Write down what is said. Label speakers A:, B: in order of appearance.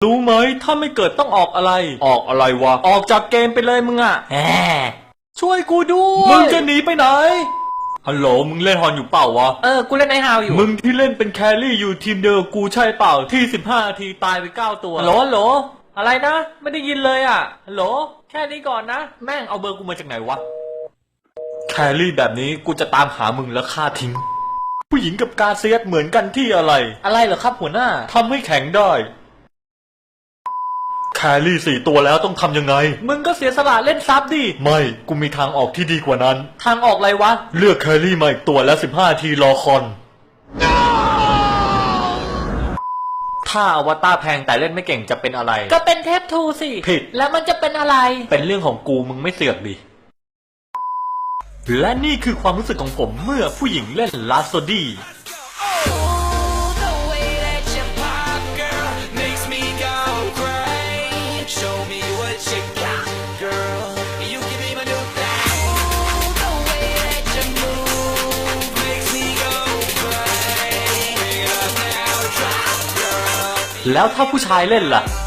A: รู้ไหมถ้าไม่เกิดต้องออกอะไรออกอะไรวะออกจากเกมไปเลยมึงอะแหมช่วยกูด้วยมึงจะหนีไปไหนฮัลโหลมึงเล่นฮอนอยู่เปล่าวะ
B: กูเล่นไอฮาวอยู่
A: มึงที่เล่นเป็นแครี่อยู่ทีมเดียวกูใช่เปล่าที่15 นาทีตายไป9 ตัว
B: ฮัลโหลอะไรนะไม่ได้ยินเลยอ่ะฮัลโหลแค่นี้ก่อนนะ
A: แม่งเอาเบอร์กูมาจากไหนวะแครี่แบบนี้กูจะตามหามึงแล้วฆ่าทิ้งผู้หญิงกับกาเซียสเหมือนกันที่อะไร
B: เหรอครับหัวหน้า
A: ทำให้แข็งได้แครี่4 ตัวแล้วต้องทำยังไง
B: มึงก็เสียสละเล่นซับดิ
A: ไม่กูมีทางออกที่ดีกว่านั้น
B: ทางออกอะไรวะ
A: เลือกแครี่มาอีกตัวแล้ว15 นาทีรอคอนถ้าอวตารแพงแต่เล่นไม่เก่งจะเป็นอะไร
B: ก็เป็นเทพทูสิ
A: ผิด
B: แล้วมันจะเป็นอะไร
A: เป็นเรื่องของกูมึงไม่เสือกดิและนี่คือความรู้สึกของผมเมื่อผู้หญิงเล่นลาโซดี้แล้วถ้าผู้ชายเล่นล่ะ